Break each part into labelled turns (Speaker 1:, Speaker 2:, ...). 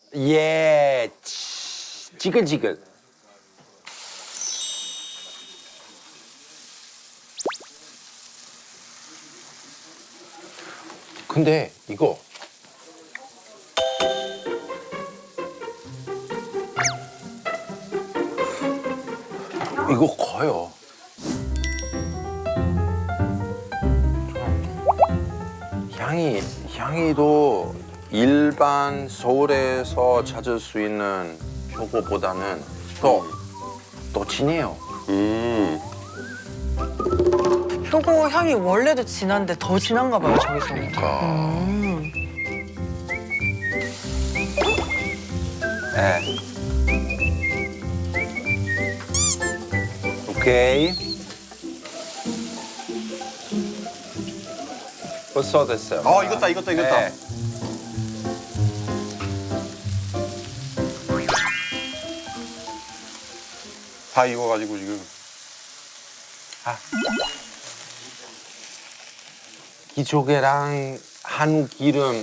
Speaker 1: 예, 지글지글. 근데 이거 커요. 향이도 일반 서울에서 찾을 수 있는 표고보다는 더 진해요.
Speaker 2: 표고 향이 원래도 진한데 더 진한가 봐요, 저기서.
Speaker 1: 네. 오케이. 벌써 됐어요.
Speaker 3: 익었다.
Speaker 1: 네.
Speaker 3: 다 익어가지고 지금.
Speaker 1: 기조개랑 한우 기름.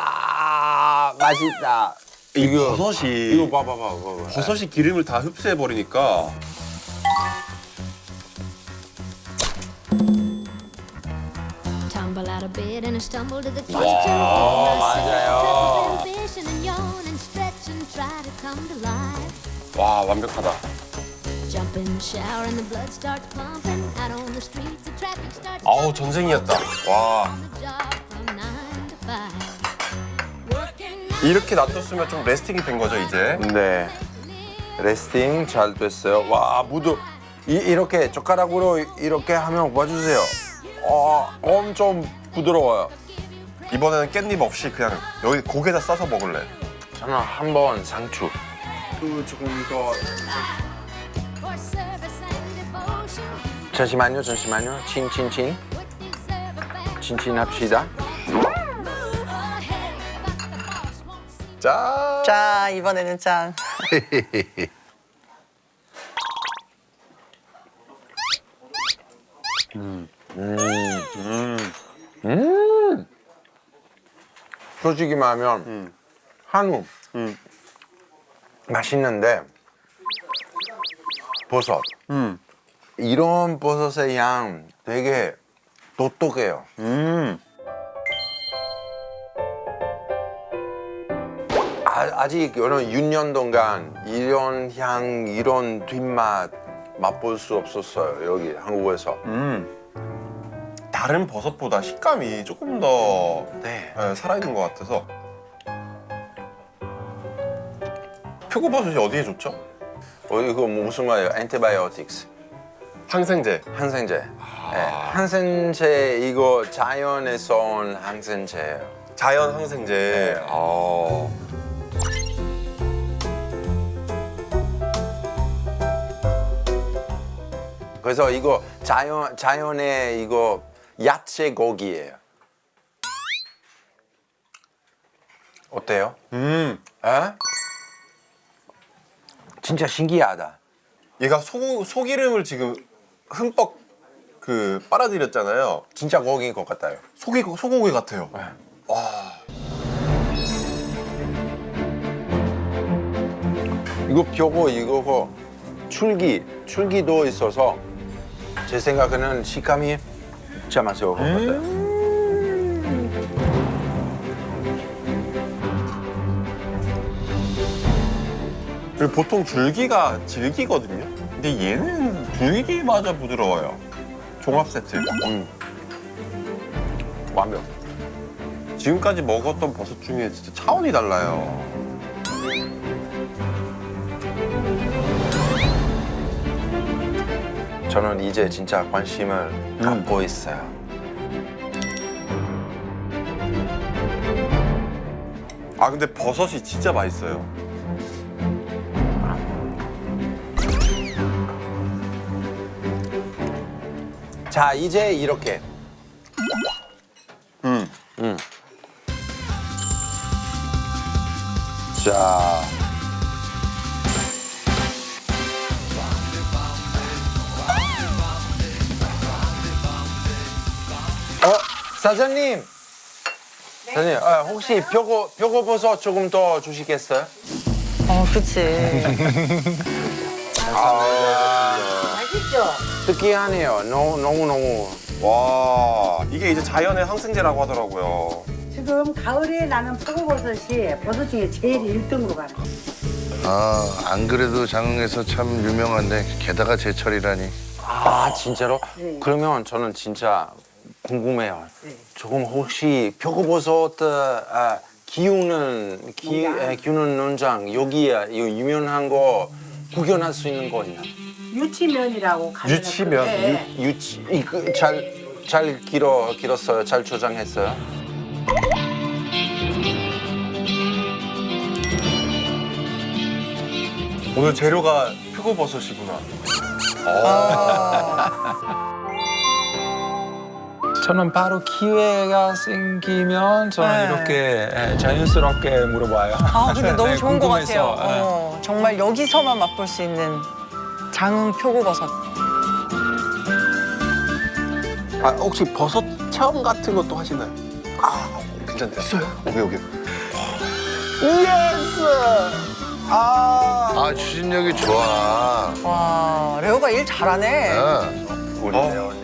Speaker 1: 맛있다.
Speaker 3: 이거 버섯이
Speaker 1: 이거 봐봐.
Speaker 3: 버섯이 기름을 다 흡수해 버리니까.
Speaker 4: Tumble out of bed and I stumble to the kitchen.
Speaker 1: 맞아요.
Speaker 4: Ambition and yawn and stretch and try to come to life.
Speaker 3: 와, 완벽하다.
Speaker 4: Jump in the shower and the blood starts pumping. Out on the streets, the traffic starts.
Speaker 3: 아우, 전쟁이었다. 와.
Speaker 4: On the job from 9 to 5. Working out
Speaker 3: 이렇게 놔뒀으면 좀 레스팅이 된 거죠, 이제.
Speaker 1: 네. 레스팅 잘 됐어요. 와, 무드. 이렇게 젓가락으로 이렇게 하면 봐주세요. 엄청 부드러워요.
Speaker 3: 이번에는 깻잎 없이 그냥 여기 고기에다 싸서 먹을래.
Speaker 1: 저는 한번 상추.
Speaker 3: 조금 더.
Speaker 4: for service and devotion.
Speaker 1: 잠시만요. 친.
Speaker 4: Would deserve a fan.
Speaker 1: 친친합시다.
Speaker 4: Move ahead, but the boss won't see.
Speaker 3: 짠.
Speaker 2: 자, 이번에는 짠. 솔직히 말하면 한우 맛있는데 버섯 이런 버섯의 양 되게 독특해요. 아직 이런 6년 동안 이런 향, 이런 뒷맛 맛볼 수 없었어요. 여기 한국에서.
Speaker 3: 다른 버섯보다 식감이 조금 더
Speaker 1: 네.
Speaker 3: 살아있는 것 같아서. 표고버섯이 어디에 좋죠?
Speaker 1: 이거 무슨 말이에요? 엔티바이오틱스.
Speaker 3: 항생제.
Speaker 1: 항생제. 네, 항생제 이거 자연에서 온 항생제예요.
Speaker 3: 자연 항생제.
Speaker 1: 그래서 이거 자연의 이거 야채 고기예요. 어때요? 에? 진짜 신기하다.
Speaker 3: 얘가 소기름을 지금 흠뻑 빨아들였잖아요.
Speaker 1: 진짜 고기인 것 같아요.
Speaker 3: 소고기 같아요.
Speaker 1: 이거 표고 이거고 줄기도 있어서 제 생각에는 식감이 진짜 맛있을 것 같아요.
Speaker 3: 그리고 보통 줄기가 질기거든요. 근데 얘는 줄기마저 부드러워요. 종합 세트.
Speaker 1: 완벽.
Speaker 3: 지금까지 먹었던 버섯 중에 진짜 차원이 달라요.
Speaker 1: 저는 이제 진짜 관심을 갖고 있어요.
Speaker 3: 근데 버섯이 진짜 맛있어요.
Speaker 1: 자, 이제 이렇게. 자. 사장님.
Speaker 2: 네. 선생님, 혹시 표고버섯 조금 더 주시겠어요?
Speaker 5: 그치.
Speaker 6: 맛있죠?
Speaker 2: 특이하네요. 너무.
Speaker 3: 와, 이게 이제 자연의 항생제라고 하더라고요.
Speaker 6: 지금 가을에 나는 표고버섯이 버섯 중에 제일 1등으로 가는 거예요.
Speaker 7: 안 그래도 장흥에서 참 유명한데 게다가 제철이라니.
Speaker 2: 아, 진짜로?
Speaker 6: 네.
Speaker 2: 그러면 저는 진짜 궁금해요.
Speaker 6: 네.
Speaker 2: 조금 혹시 표고버섯 기우는 농장 여기에 이 유명한 거 구경할 수 있는 거 있나?
Speaker 6: 유치면이라고 가면
Speaker 3: 유치면?
Speaker 2: 유치 이거 잘 길었어요. 잘 조장했어요.
Speaker 3: 오늘 재료가 표고버섯이구나.
Speaker 8: 저는 바로 기회가 생기면 저는
Speaker 5: 네.
Speaker 8: 이렇게 자연스럽게 물어봐요.
Speaker 5: 근데 너무
Speaker 8: 네,
Speaker 5: 좋은 것
Speaker 8: 궁금해서.
Speaker 5: 같아요. 정말 여기서만 맛볼 수 있는 장흥 표고버섯.
Speaker 3: 혹시 버섯 체험 같은 것도 하시나요? 괜찮다. 있어요. 여기.
Speaker 7: 추진력이 좋아.
Speaker 5: 와, 레오가 일 잘하네.
Speaker 7: 어.
Speaker 2: 우리 배우님.